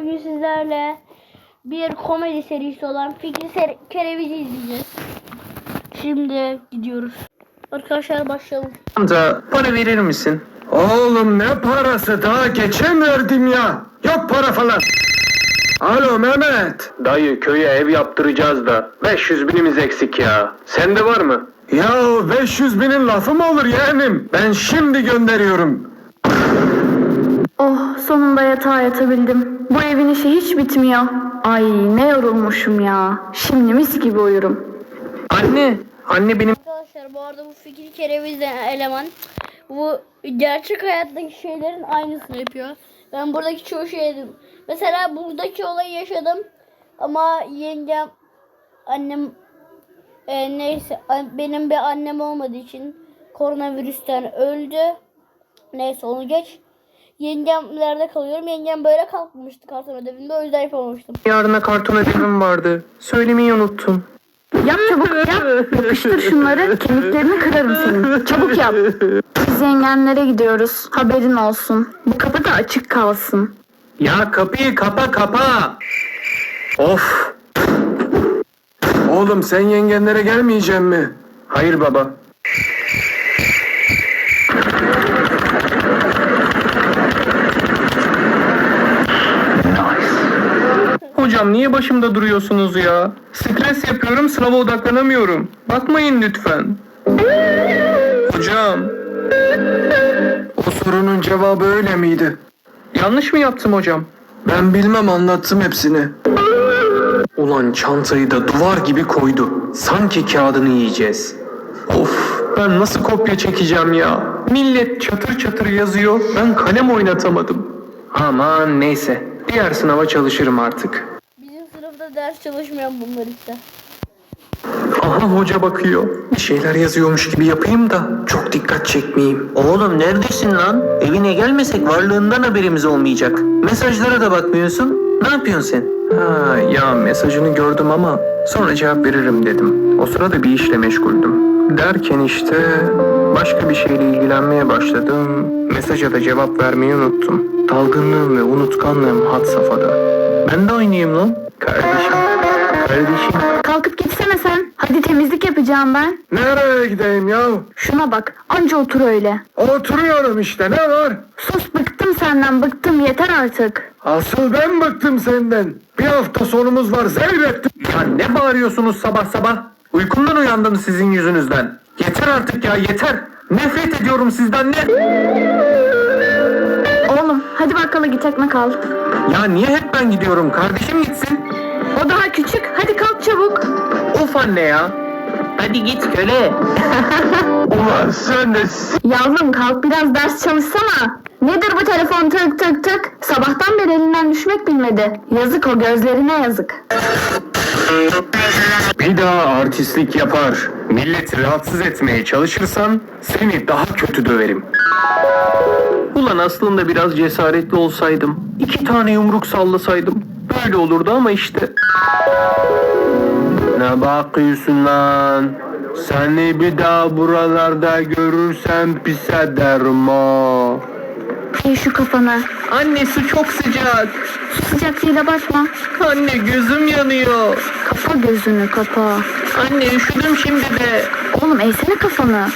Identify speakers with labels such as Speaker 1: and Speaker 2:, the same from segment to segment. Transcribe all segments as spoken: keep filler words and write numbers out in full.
Speaker 1: bugün sizlerle bir komedi serisi olan Fikri Ser Kerevici izleyeceğiz. Şimdi gidiyoruz. Arkadaşlar başlayalım.
Speaker 2: Amca para verir misin?
Speaker 3: Oğlum ne parası, daha geçen verdim ya. Yok para falan. Alo Mehmet.
Speaker 2: Dayı köye ev yaptıracağız da beş yüz binimiz eksik ya. Sende var mı?
Speaker 3: Ya beş yüz binin lafı mı olur yeğenim? Ben şimdi gönderiyorum.
Speaker 4: Oh, sonunda yatağa yatabildim. Bu evin işi hiç bitmiyor. Ay ne yorulmuşum ya. Şimdi mis gibi uyurum.
Speaker 2: Anne, anne benim...
Speaker 1: Arkadaşlar bu arada bu Fikri Kerevici eleman bu gerçek hayattaki şeylerin aynısını yapıyor. Ben buradaki çoğu şeydim. Mesela buradaki olayı yaşadım ama yengem, annem e, neyse benim bir annem olmadığı için koronavirüsten öldü. Neyse onu geç. Yengemlerde kalıyorum. Yengem böyle kalkmıştı karton ödevinde, o yüzden yapamamıştım.
Speaker 2: Yarına karton ödevim vardı. Söylemeyi unuttum.
Speaker 4: Yap çabuk yap. Yapıştır şunları. Kemiklerini kırarım senin. Çabuk yap. Biz yengenlere gidiyoruz. Haberin olsun. Bu kapı da açık kalsın.
Speaker 2: Ya kapıyı kapa kapa. Of.
Speaker 3: Oğlum sen yengenlere gelmeyeceksin mi?
Speaker 2: Hayır baba. Hocam niye başımda duruyorsunuz ya? Stres yapıyorum, sınava odaklanamıyorum. Bakmayın lütfen. Hocam,
Speaker 3: O sorunun cevabı öyle miydi?
Speaker 2: yanlış mı yaptım hocam?
Speaker 3: Ben bilmem, anlattım hepsini.
Speaker 2: Ulan çantayı da duvar gibi koydu. Sanki kağıdını yiyeceğiz. Of, ben nasıl kopya çekeceğim ya? Millet çatır çatır yazıyor, ben kalem oynatamadım. Aman neyse, diğer sınava çalışırım artık.
Speaker 1: Bizim sınıfta ders çalışmayan bunlar işte.
Speaker 2: Aha hoca bakıyor. Bir şeyler yazıyormuş gibi yapayım da çok dikkat çekmeyeyim.
Speaker 5: Oğlum neredesin lan? Evine gelmesek varlığından haberimiz olmayacak. Mesajlara da bakmıyorsun. Ne yapıyorsun sen?
Speaker 2: Ha ya, mesajını gördüm ama sonra cevap veririm dedim. O sırada bir işle meşguldüm. Derken işte başka bir şeyle ilgilenmeye başladım. Mesaja da cevap vermeyi unuttum. Dalgınlığım ve unutkanlığım had safhada. Ben de oynayayım lan. Kardeşim. Kardeşim.
Speaker 4: Kalkıp gitsene sen. Hadi temizlik yapacağım ben.
Speaker 3: Nereye gideyim ya?
Speaker 4: Şuna bak. Anca otur öyle.
Speaker 3: Oturuyorum işte, ne var?
Speaker 4: Sus, bıktım senden, bıktım, yeter artık.
Speaker 3: Asıl ben bıktım senden. Bir hafta sonumuz var, zevrettim.
Speaker 2: Ya ne bağırıyorsunuz sabah sabah? Uykumdan uyandım sizin yüzünüzden. Yeter artık ya, yeter. Nefret ediyorum sizden, ne?
Speaker 4: Oğlum hadi bakkala git, ekmek al.
Speaker 2: Ya niye hep ben gidiyorum? Kardeşim gitsin.
Speaker 4: O daha küçük. Hadi kalk çabuk.
Speaker 2: Of anne ya.
Speaker 5: Hadi git köle.
Speaker 3: Ulan sen de...
Speaker 4: Yavrum kalk biraz ders çalışsana. Nedir bu telefon tık tık tık? Sabahtan beri elinden düşmek bilmedi. Yazık, o gözlerine yazık.
Speaker 2: Bir daha artistlik yapar, milleti rahatsız etmeye çalışırsan seni daha kötü döverim. Ulan aslında biraz cesaretli olsaydım, iki tane yumruk sallasaydım böyle olurdu ama işte. Ne bakıyorsun lan? Seni bir daha buralarda görürsem pis ederim ha.
Speaker 4: Ey şu kafana.
Speaker 2: Anne su çok sıcak.
Speaker 4: Su sıcaklığıyla bakma.
Speaker 2: Anne gözüm yanıyor.
Speaker 4: Kapa gözünü, kapa.
Speaker 2: Anne üşüdüm şimdi de.
Speaker 4: Oğlum eğsene kafanı.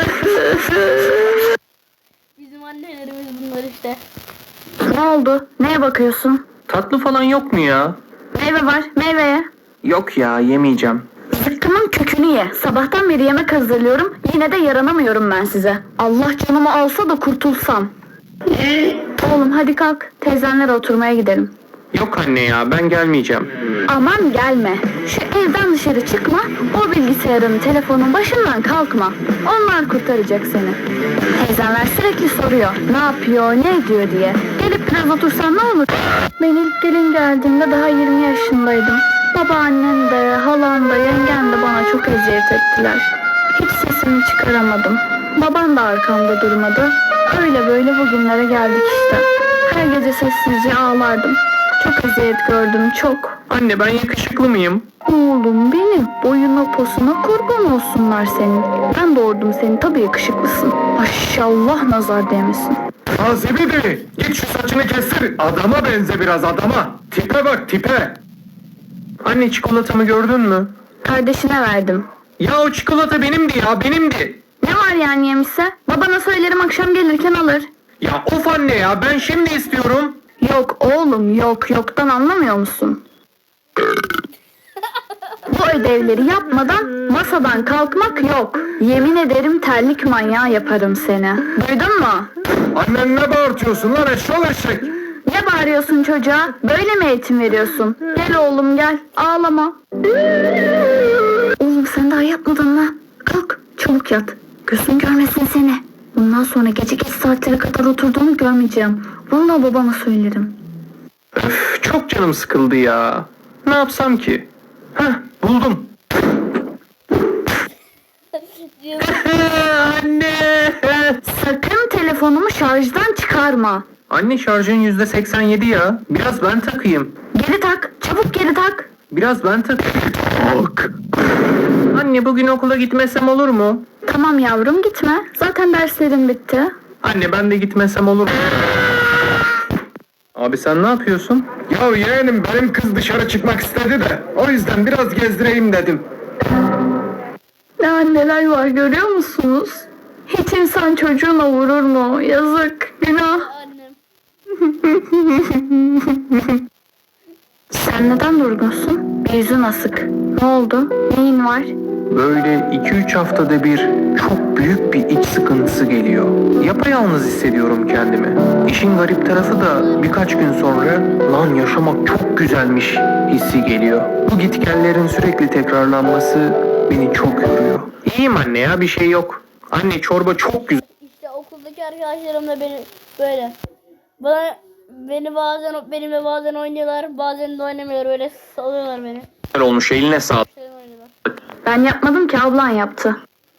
Speaker 1: Bizim annelerimiz bunlar işte.
Speaker 4: Ne oldu? Neye bakıyorsun?
Speaker 2: Tatlı falan yok mu ya?
Speaker 4: Meyve var, meyveye.
Speaker 2: Yok ya, yemeyeceğim.
Speaker 4: Zıkkımın kökünü ye. Sabahtan beri yemek hazırlıyorum. Yine de yaranamıyorum ben size. Allah canımı alsa da kurtulsam. Oğlum hadi kalk. Teyzenlere oturmaya gidelim.
Speaker 2: Yok anne ya, ben gelmeyeceğim.
Speaker 4: Aman gelme. Şu evden dışarı çıkma. O bilgisayarın, telefonun başından kalkma. Onlar kurtaracak seni. Teyzenler sürekli soruyor. Ne yapıyor, ne ediyor diye. Gelip biraz otursan ne olur? Ben ilk gelin geldiğimde daha yirmi yaşındaydım. Babaannem de, halam da, yengem de bana çok eziyet ettiler. Hiç sesimi çıkaramadım. Babam da arkamda durmadı. Öyle böyle bugünlere geldik işte. Her gece sessizce ağlardım. Çok eziyet gördüm, çok.
Speaker 2: Anne ben yakışıklı mıyım?
Speaker 4: Oğlum benim, boyuna posuna kurban olsunlar senin. Ben doğurdum seni, tabii yakışıklısın. Maşallah nazar değmesin.
Speaker 3: Ha Zibidi, git şu saçını kestir. Adama benze biraz adama. Tipe bak tipe.
Speaker 2: Anne çikolatamı gördün mü?
Speaker 4: Kardeşine verdim.
Speaker 2: Ya o çikolata benimdi ya benimdi.
Speaker 4: Ne var yani yemişse? Babana söylerim akşam gelirken alır.
Speaker 2: Ya of anne ya ben şimdi istiyorum.
Speaker 4: Yok oğlum yok. Yoktan anlamıyor musun? Bu ödevleri yapmadan masadan kalkmak yok. Yemin ederim terlik manyağı yaparım seni. Duydun mu?
Speaker 3: Annen ne bağırtıyorsun lan eşşol eşek?
Speaker 4: Ne bağırıyorsun çocuğa? Böyle mi eğitim veriyorsun? Gel oğlum gel. Ağlama. Oğlum sen daha yatmadın mı? Kalk çabuk yat. Gözün görmesin seni. Bundan sonra gece geç saatlere kadar oturduğunu görmeyeceğim. Vallahi babama söylerim.
Speaker 2: Öf, çok canım sıkıldı ya. Ne yapsam ki? Heh buldum. Anne.
Speaker 4: Sakın telefonumu şarjdan çıkarma.
Speaker 2: Anne şarjın yüzde seksen yedi ya. Biraz ben takayım.
Speaker 4: Geri tak. Çabuk geri tak.
Speaker 2: Biraz ben takayım. Bak. Anne bugün okula gitmesem olur mu?
Speaker 4: Tamam yavrum gitme. Zaten derslerin bitti.
Speaker 2: Anne ben de gitmesem olur mu? Abi sen ne yapıyorsun?
Speaker 3: Ya yeğenim benim kız dışarı çıkmak istedi de o yüzden biraz gezdireyim dedim.
Speaker 4: Ne anneler var görüyor musunuz? Hiç insan çocuğuna vurur mu? Yazık, günah.
Speaker 1: Annem.
Speaker 4: Sen neden durgunsun? Bir yüzün asık. Ne oldu? Neyin var?
Speaker 2: Böyle iki üç haftada bir çok büyük bir iç sıkıntısı geliyor. Yapayalnız hissediyorum kendimi. İşin garip tarafı da birkaç gün sonra lan yaşamak çok güzelmiş hissi geliyor. Bu gitgellerin sürekli tekrarlanması beni çok yoruyor. İyiyim anne ya bir şey yok. Anne çorba çok güzel
Speaker 1: İşte okuldaki arkadaşlarım da beni böyle. Bana beni bazen benimle bazen oynuyorlar, bazen de oynamıyorlar. Böyle salıyorlar beni.
Speaker 2: olmuş eline sağlık.
Speaker 1: Şöyle oynuyorlar.
Speaker 4: Ben yapmadım ki ablan yaptı.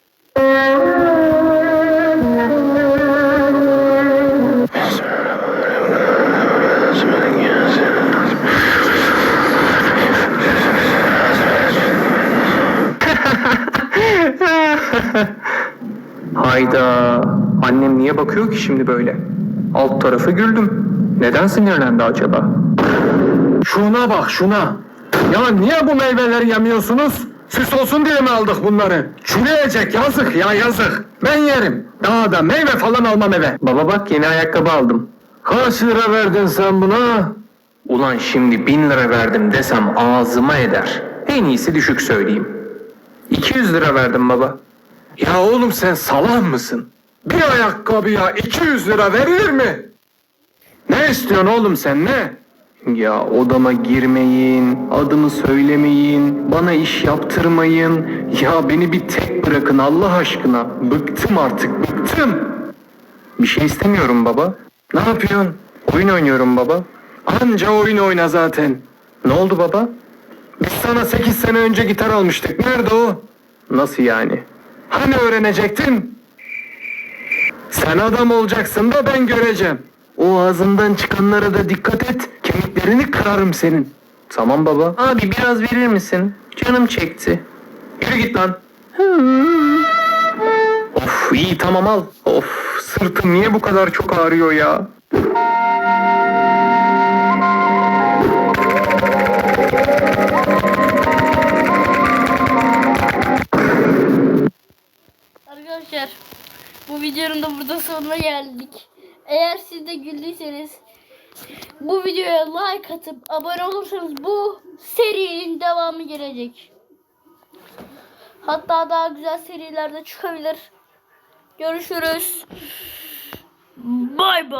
Speaker 2: Hayda. Annem niye bakıyor ki şimdi böyle? Alt tarafı güldüm. Neden sinirlendi acaba?
Speaker 3: Şuna bak şuna. Ya niye bu meyveleri yemiyorsunuz? Süs olsun diye mi aldık bunları? Çürüyecek yazık ya yazık. Ben yerim. Daha da meyve falan almam eve.
Speaker 2: Baba bak yeni ayakkabı aldım.
Speaker 3: Kaç lira verdin sen buna?
Speaker 2: Ulan şimdi bin lira verdim desem ağzıma eder. En iyisi düşük söyleyeyim. iki yüz lira verdim baba.
Speaker 3: Ya oğlum sen salak mısın? Bir ayakkabıya iki yüz lira verilir mi? Ne istiyorsun oğlum sen ne?
Speaker 2: Ya odama girmeyin, adımı söylemeyin, bana iş yaptırmayın. Ya beni bir tek bırakın Allah aşkına. Bıktım artık, bıktım. Bir şey istemiyorum baba.
Speaker 3: Ne yapıyorsun?
Speaker 2: Oyun oynuyorum baba.
Speaker 3: Anca oyun oyna zaten.
Speaker 2: Ne oldu baba?
Speaker 3: Biz sana sekiz sene önce gitar almıştık. Nerede o?
Speaker 2: Nasıl yani?
Speaker 3: Hani öğrenecektin? Sen adam olacaksın da ben göreceğim. O ağzından çıkanlara da dikkat et. Kemiklerini kırarım senin.
Speaker 2: Tamam baba. Abi biraz verir misin? Canım çekti.
Speaker 3: Yürü git lan.
Speaker 2: Of iyi tamam al. Of sırtım niye bu kadar çok ağrıyor ya?
Speaker 1: Arkadaşlar bu videonun da burada sonuna geldik. Eğer siz de güldüyseniz bu videoya like atıp abone olursanız bu serinin devamı gelecek. Hatta daha güzel serilerde çıkabilir. Görüşürüz. Bay bay.